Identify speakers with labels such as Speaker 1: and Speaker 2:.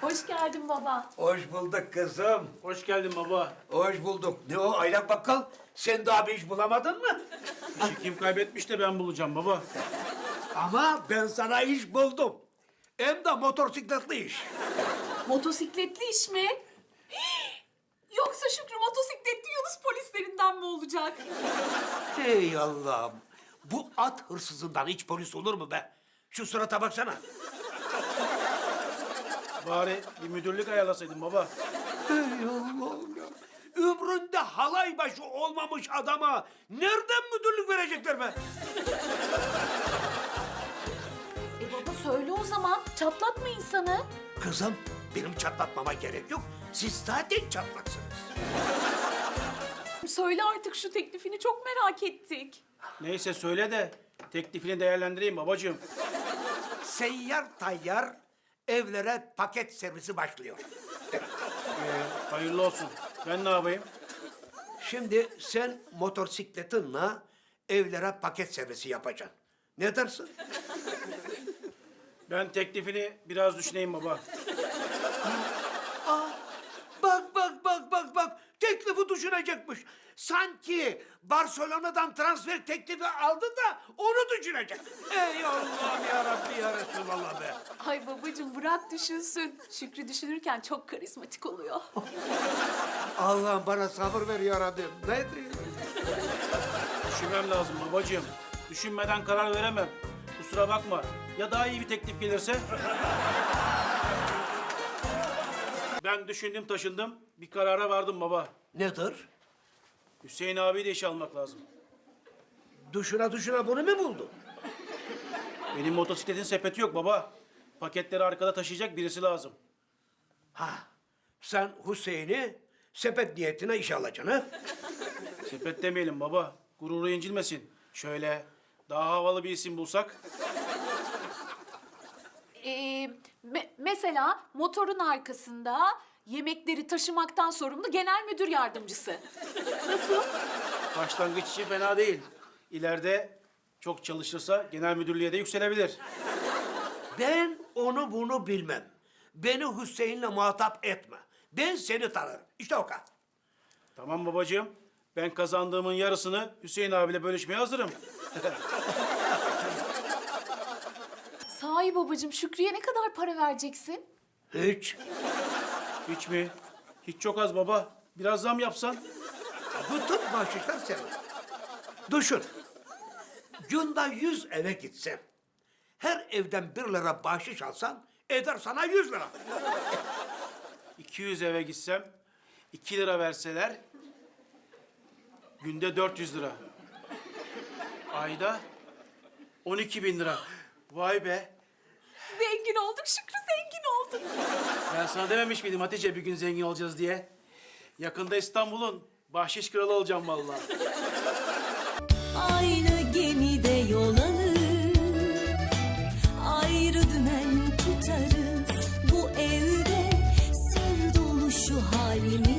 Speaker 1: Hoş geldin baba.
Speaker 2: Hoş bulduk kızım.
Speaker 3: Hoş geldin baba.
Speaker 2: Hoş bulduk. Ne o Aylak Bakkal? Sen daha bir iş bulamadın mı?
Speaker 3: İşi kim kaybetmiş de ben bulacağım baba.
Speaker 2: Ama ben sana iş buldum. Hem de motosikletli iş.
Speaker 1: Motosikletli iş mi? Yoksa Şükrü motosikletli Yunus polislerinden mi olacak?
Speaker 2: Hey Allah'ım. Bu at hırsızından hiç polis olur mu be? Şu surata baksana.
Speaker 3: Bari bir müdürlük ayarlasaydın baba.
Speaker 2: Hey Allah'ım ya. Ömründe halay başı olmamış adama nereden müdürlük verecekler be?
Speaker 1: Baba söyle o zaman. Çatlatma insanı.
Speaker 2: Kızım, benim çatlatmama gerek yok. Siz zaten çatlaksınız.
Speaker 1: Söyle artık şu teklifini çok merak ettik.
Speaker 3: Neyse söyle de teklifini değerlendireyim babacığım.
Speaker 2: Seyyar tayyar evlere paket servisi başlıyor.
Speaker 3: Hayırlı olsun. Ben ne yapayım?
Speaker 2: Şimdi sen motosikletinle evlere paket servisi yapacaksın. Ne dersin?
Speaker 3: Ben teklifini biraz düşüneyim baba.
Speaker 2: Bak. Teklifi düşünecekmiş. Sanki Barcelona'dan transfer teklifi aldı da onu düşünecek. Ey Allah'ım ya Rabbi ya Resulallah be.
Speaker 1: Ay babacığım bırak düşünsün. Şükrü düşünürken çok karizmatik oluyor.
Speaker 2: Allah'ım bana sabır ver ya Rabbi. Ne diyeyim?
Speaker 3: Düşünmem lazım babacığım. Düşünmeden karar veremem. Kusura bakma. Ya daha iyi bir teklif gelirse? Ben düşündüm taşındım. Bir karara vardım baba.
Speaker 2: Nedir?
Speaker 3: Hüseyin abiyi de işe almak lazım.
Speaker 2: Düşüne bunu mu buldun?
Speaker 3: Benim motosikletin sepeti yok baba. Paketleri arkada taşıyacak birisi lazım.
Speaker 2: Ha, sen Hüseyin'i sepet niyetine işe alacaksın ha?
Speaker 3: Sepet demeyelim baba. Gururu incilmesin. Şöyle daha havalı bir isim bulsak.
Speaker 1: Mesela motorun arkasında yemekleri taşımaktan sorumlu genel müdür yardımcısı. Nasıl?
Speaker 3: Başlangıç için fena değil. İleride çok çalışırsa genel müdürlüğe de yükselebilir.
Speaker 2: Ben onu bunu bilmem. Beni Hüseyin'le muhatap etme. Ben seni tanırım. İşte o kadar.
Speaker 3: Tamam babacığım. Ben kazandığımın yarısını Hüseyin abiyle bölüşmeye hazırım.
Speaker 1: Sahi babacığım Şükrü'ye ne kadar para vereceksin?
Speaker 2: Hiç.
Speaker 3: Hiç mi? Hiç çok az baba. Biraz zam yapsan.
Speaker 2: Bütün bahşişler senin. Düşün. Günde 100 eve gitsen, her evden 1 lira bahşiş alsan, eder sana 100 lira.
Speaker 3: 200 eve gitsem, 2 lira verseler, günde 400 lira. Ayda 12.000 lira. Vay be.
Speaker 1: Zengin olduk Şükrü, zengin olduk.
Speaker 3: Ben sana dememiş miydim Hatice bir gün zengin olacağız diye? Yakında İstanbul'un bahşiş kralı olacağım vallahi.
Speaker 4: Aynı gemide yol alır, ayrı dümen tutarız. Bu evde sır dolu şu halimiz.